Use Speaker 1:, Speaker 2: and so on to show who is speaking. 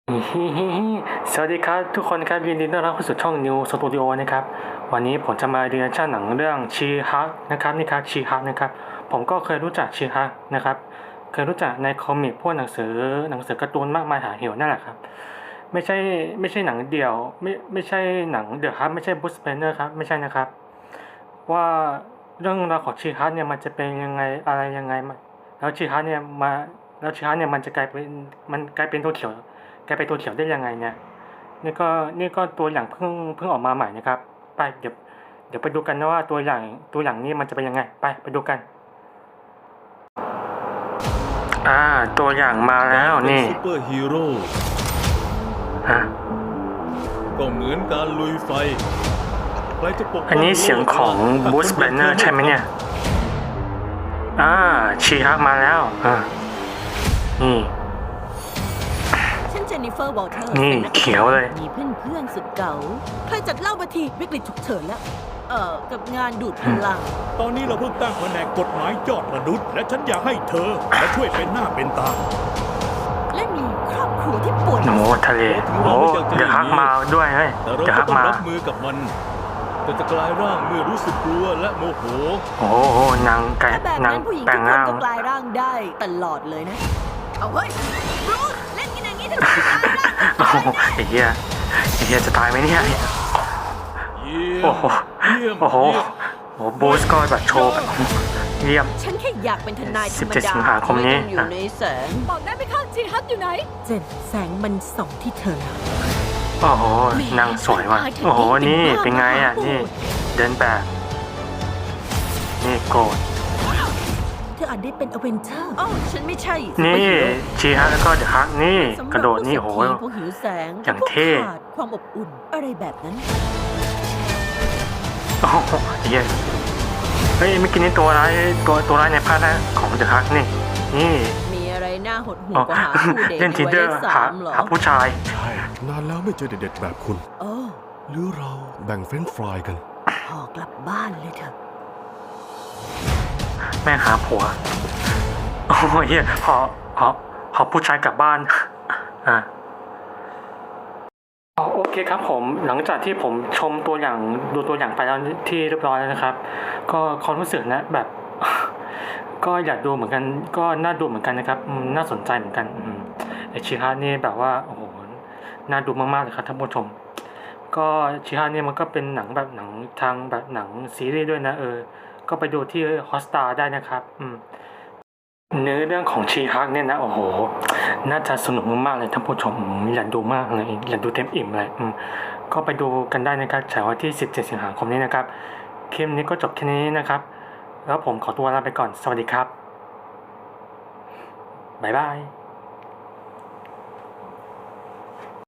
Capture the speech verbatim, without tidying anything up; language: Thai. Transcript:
Speaker 1: สวัสดีครับทุกคนครับยินดีต้อนรับเข้าสู่ช่อง New Studio นะครับวันนี้ผมจะมาเรียนชั่นหนังเรื่องชีฮักนะครับนี่ครับชีฮักนะครับผมก็เคยรู้จักชีฮักนะครับเคยรู้จักในคอมิกพวกหนังสือหนังสือการ์ตูนมากมายหาเหวนั่นแหละครับไม่ใช่ไม่ใช่หนังเดี่ยวไม่ไม่ใช่หนังเดี่ยวครับไม่ใช่บูสเปนเนอร์ครับไม่ใช่นะครับว่าเรื่องราวของชีฮักเนี่ยมันจะเป็นยังไงอะไรยังไงแล้วชีฮักเนี่ยมาแล้วชีฮักเนี่ยมันจะกลายเป็นมันกลายเป็นตัวเขียวกลายเป็นตัวเขียวได้ยังไงเนี่ย นี่ก็นี่ก็ตัวอย่างเพิ่งเพิ่งออกมาใหม่นะครับไปเดี๋ยวเดี๋ยวไปดูกันนะว่าตัวอย่างตัวอย่างนี้มันจะเป็นยังไงไปไปดูกันอ่าตัวอย่างมาแล้วนี่
Speaker 2: ซูเปอร์ฮีโร่
Speaker 1: ฮะ
Speaker 2: ก็เหมือนการลุยไฟใครจะปกป้อง
Speaker 1: อันนี้เสียงของบูสแบนเนอร์ใช่ไหมเนี่ยอ่าชีฮักมาแล้วอ่านี่
Speaker 3: เจนนิเฟอร์วอลเทอร์
Speaker 1: นี่เขียวเลย
Speaker 3: มีเพื่อนเพื่อนสุดเก๋าใครจัดเล่ามาทีวิกฤตฉุกเฉินแล้ว เอ่อ กับงานดูดพลัง
Speaker 2: ตอนนี้เราเพิ่งตั้งแผนกกฎหมายยอดมนุษย์และฉันอยากให้เธอมาช่วยเป็นหน้าเป็นตา
Speaker 3: และมีครอบครัวที่ปวด
Speaker 1: โอ้ทะเลโอ้เดี๋ยวฮักมาด้วยเฮ้ย
Speaker 2: แต่เรา
Speaker 1: เดี๋ยว
Speaker 2: ก็
Speaker 1: ฮัก
Speaker 2: ต้อง
Speaker 1: มา
Speaker 2: รับมือกับมันแต่จะกลายร่างเมื่อรู้สึกกลัวและโมโห
Speaker 1: โอ้โหนางไก่
Speaker 3: ถ้าแบบ
Speaker 1: นาง
Speaker 3: นั้นผู้หญิง
Speaker 1: แปล
Speaker 3: ทุ
Speaker 1: ง
Speaker 3: กคน
Speaker 1: ร่าง
Speaker 3: ก็กลายร่างได้ตลอดเลยนะ เอาเฮ้ยบรูซเล่นกันอย่างนี้เถอะกลายร่าง
Speaker 1: โอ้โหไอ้เหี้ยไอ้เหี้ยจะตายไหมเนี่ยโอ้โหโอ้โหโอ้บูสก็แบบโชว์แบบเยี่ยม
Speaker 3: ฉันแค่อยากเป็นทนายธรรมดา
Speaker 1: สิบเจ็ดสิงหาคมนี้
Speaker 3: ไต้องอยู่ในแสงบอกได้ไหมคะจีฮัทอยู่ไหนเจนแสงมันส่องที่เธอแล้ว
Speaker 1: โอ้โหนางสวยว่ะโอ้โหนี่เป็นไงอ่ะนี่เดินแบบนี่โกรธ
Speaker 3: เธออาจได้เป็นอเวนเจอร์อ๋อฉันไม่ใช่
Speaker 1: นี่ชีฮักแล้วก็เดอะฮักนี่กระโดดนี่โอ้โห
Speaker 3: พวกหิวแสง
Speaker 1: อย่างเท่
Speaker 3: ขาดความอบอุ่นอะไรแบบนั้น
Speaker 1: โอ้โหเหี้ยเฮ้ยไม่กินนี่ตัวร้ายตัวตัวร้ายในภาคแรกของเดอะฮักนี่นี่
Speaker 3: มีอะไรน่าหดหู่กว่าหาคู่เดท
Speaker 1: เล่นทินเดอร์หาหาผู้ชาย
Speaker 4: ใช่ นานแล้วไม่เจอเด็ดๆแบบคุณ
Speaker 3: โอ้
Speaker 4: หรือเราแบ่งเฟรนช์ฟรายกัน
Speaker 3: พอกลับบ้านเลยเถอะ
Speaker 1: แม่หาผัวโอ้ยเฮียหอหอหอผู้ชายกลับบ้านอ่าโอเคครับผมหลังจากที่ผมชมตัวอย่างดูตัวอย่างไปแล้วที่เรียบร้อยแล้วนะครับ ก็ความรู้สึกนะแบบ ก็อยากดูเหมือนกันก็น่าดูเหมือนกันนะครับน่าสนใจเหมือนกันไอชิฮะนี่แบบว่าโอ้โหน่าดูมากๆเลยครับท่านผู้ชมก็ชิฮะนี่มันก็เป็นหนังแบบหนังทางแบบหนังซีรีส์ด้วยนะเออก็ไปดูที่ฮอสตาได้นะครับอืมเนื้อเรื่องของชีฮักเนี่ยนะโอ้โหน่าจะสนุกมากๆเลยท่านผู้ชมอยากดูมากเลยอยากดูเต็มอิ่มเลยอืมก็ไปดูกันได้นะครับฉายวันที่สิบเจ็ดสิงหาคมนี้นะครับคลิปนี้ก็จบแค่นี้นะครับแล้วผมขอตัวลาไปก่อนสวัสดีครับบ๊ายบาย